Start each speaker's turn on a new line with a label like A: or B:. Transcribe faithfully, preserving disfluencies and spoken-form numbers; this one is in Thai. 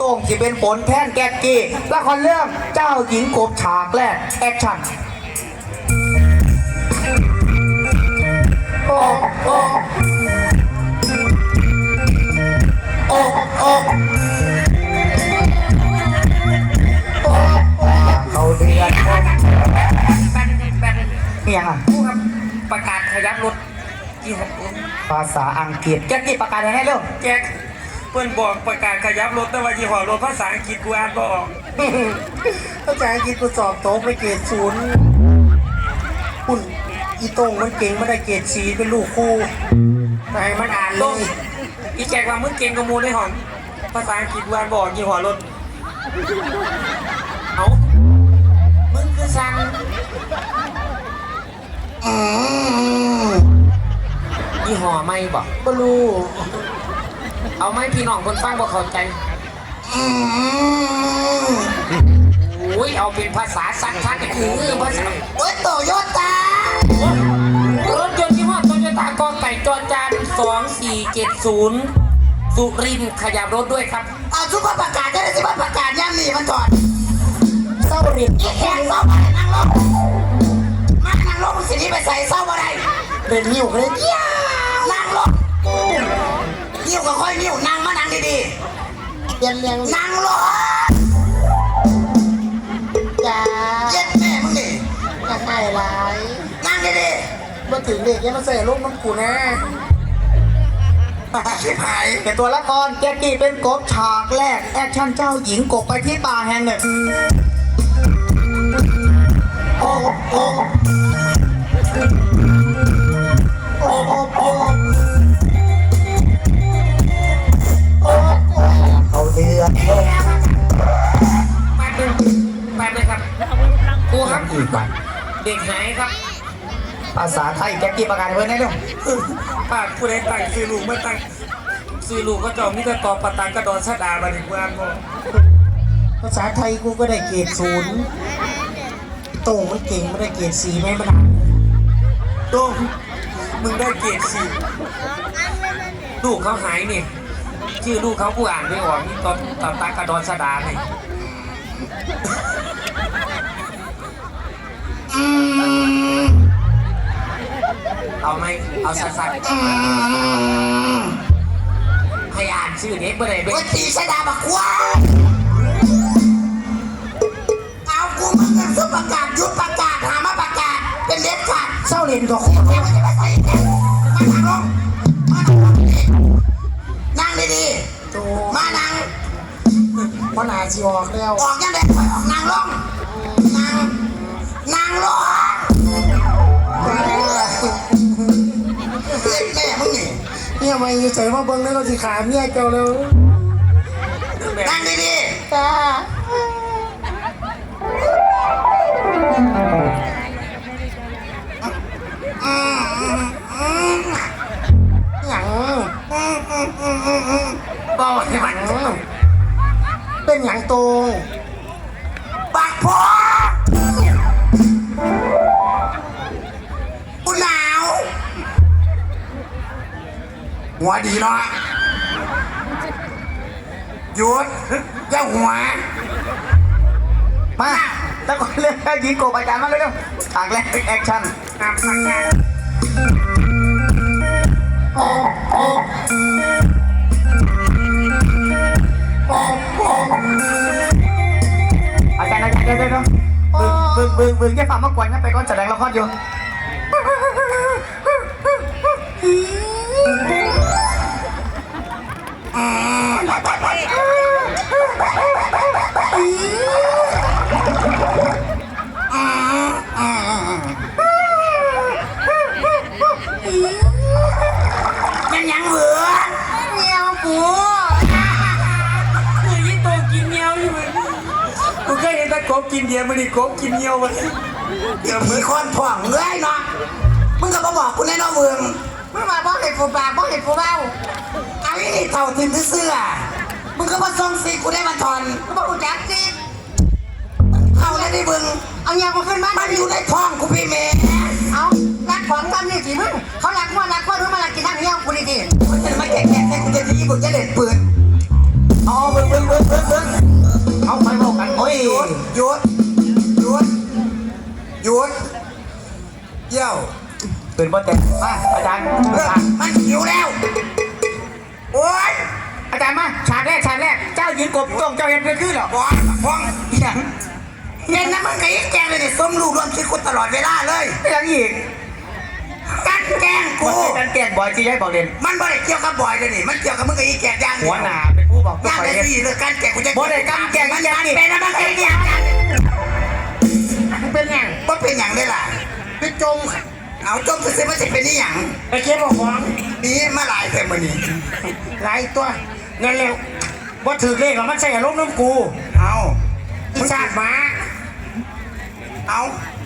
A: ต้งที่เป็นผลแทนแก๊กกี้ละครเรื่องเจ้าหญิงกบฉากแรกแอคชั่นโอ้โอ้โอ้โอ้เขาเดือดแบนแบนนี่ยังอ่ะผู้ครับประกาศขยับรถที่หกภาษาอังกฤษแก๊กกี้ประกาศยังไงเร็วแก๊กเพื่อนบอกประกาศขยับรถแต่ว่ายี่ห้อรถภาษาอังกฤษกูอ่านบ่ออกภาษาอังกฤษกูสอบโต๊ะไปเกรดศูนย์คุณอีโต้งมันเก่งไม่ได้เกรดสีเป็นลูกคู่แต่ให้มันอ่านเลยอีแจกว่ามึงเก่งกว่ามูในห้องภาษาอังกฤษกูอ่านบ่ออกยี่ห้อรถเอามึงคือซังอืมยี่ห้อไม่บอกบ่รู้เอาไหมพี่น้องคนฟังบ่เข้าใจอืมโอ้ยเอาเป็นภาษาสักทักคือภาษาโอ้ยโตโยต้ารถยนต์ยี่ห้อโตโยต้ากอไก่จอจานสองสี่เจ็ดศูนย์สุรินทร์ขยับรถด้วยครับเอาทุกคนประกาศได้เลยสิว่าประกาศย่ำนี่มันถอดเศร้ารินแค่เศร้ามานั่งลงมานั่งลงสินี้ไปใส่เศร้าอะไรเดินนิ้วเลยนั่งลงนิ้วก็ค่อยนิ้วนั่งมานั่งดีๆเรียนเรียงนั่งลงจ้าเย็ดแม่มึงดิอยากได้ไรนั่งดีๆมาถึงเด็กยังมาใส่ลูกน้ำกูนะชิบหายเป็นตัวละครแจ็คกี้เป็นกบฉากแรกแอคชั่นเจ้าหญิงกบไปที่ป่าแห่งหนึ่งโอ้โอ้โอ้โอ้โอ้เขาเดือดแป๊บนึงแป๊บนึงครับครูครับอีกวันเด็กหายครับภาษาไทยแจ็คกี้ประกาศไว้ไหนเรื่องปากผู้ใดตั้งซื้อลูกไม่ตั้งซื้อลูกก็จอมมิตรกอปตังกระดอนชะดาบันทึกวานภาษาไทยกูก็ได้เกรดศูนย์โต้งมันเก่งไม่ได้เกรดสี่ไหมมันโต้งมึงได้เกรดสี่ลูกเขาหายนี่ชื่อลูกเขาผู้อ่านไม่ออกนี่ตอนตอนตากระดอนชะดาเนี่ยเอาไหมเอาสัดๆให้อ่านชื่อเด็กเมื่อไหร่เป็นตีชะดาบักควายเอากูมึงเงินซุปประกาศยุดประกาศหามาประกาศเป็นเด็ดขาดเศร้าเรียนกับคุณมานั่งลงมานั่งลงนั่งดีๆมานั่งพอหนาจีออกแล้วออกยังไงออกนั่งลงนั่งนั่งลงแม่มึงนี่เนี่ยไม่ใส่มาเบิ้งแล้วก็สิขาเมียเจ้าแล้วนั่งดีๆจ้าหยังบอกให้มันเป็นหยังโตปากพอกูหนาวหัวดีเนาะหยุดอย่าหัวมาแล้วก็เรื่องยิงโกบอาจารย์มาเลยเร็วฉากแรกแอคชั่นโอ้โอ้โอ้โอ้อาจารย์อาจารย์เดี๋ยวเดี๋ยวบึ้งบึ้งบึ้งบึ้งแค่ฟังมากกว่างั้นไปก่อนแสดงละครอยู่ยังยังเหลือเงี้ยวกูคือยิ่งโตกินเงี้ยวอยู่เลยกูเคยเห็นแต่กบกินเดียวมันนี่กบกินเงี้ยวมันเดี๋ยวมีคนผ่องเงยเนาะมึงก็มาบอกกูแน่นอนมึงมึงมาบอกเห็ดกูปากบอกเห็ดกูเบ้าไอ้นี่เท่าทิมเสื้อมึงก็มาส่งสิกูได้มาถอนกูบอกกูแจ็คสิเข้าได้ดิมึงเอาเงี้ยกูขึ้นบ้านมันอยู่ในท้องกูพี่เมย์เอารักของทำนี่สิมึงเขารักว่ารักว่ารู้มารักกินน้ำเงี้ยกูดีๆมันจะไม่แก่แก่กูจะดีกูจะเด็ดปืนอ๋อเบิ้งเบิ้งเบิ้งเบิ้ง
B: ตื่นบ่เต็มมาอาจารย์
C: เออมันหิวแล้วโอ๊ย
B: อาจารย์มาฉากแรกฉากแรกเจ้าหญิงกบต้องเจ้าเห็นเป็นขึ้นหรอ
C: บอลพ้องอย่างเย็นนะมึงก็ยิ่งแกงเลยเนี่ยส้มลูกรวมคิดกูตลอดเวลาเลย
B: ยังอีก
C: กันแกล้งกู
B: มันเป็นการแกล้งบอยจีให้บอกเด่น
C: มันไม่ได้เกี่ยวกับบอยเลยนี่มันเกี่ยวกับมึงกับอีแกงย่าง
B: หัวหนาเป็นผู้บอกตัว
C: ย่าง
B: ไป
C: ได้
B: เห็น
C: ดีเลยกันแกงกูจะ
B: บ่ได้กันแกล้ง
C: มัน
B: อย่างนี้
C: เป็นนะมันเป็นอย่างนั้น
B: มันเป็นยัง
C: มันเป็นอย่างได้ล่ะ
B: เป็นจง
C: เอาจมซื้อมันจะเป็นนี่อย่าง
B: ไอ้เก็บบอกของ
C: นี่มาหลายเต็มมือนี่
B: หลายตัวเงินเร็วว่าถือเลขหรอมันใช่อารมณ์น้ำกู
C: เอา
B: อีชาดหมา
C: เอา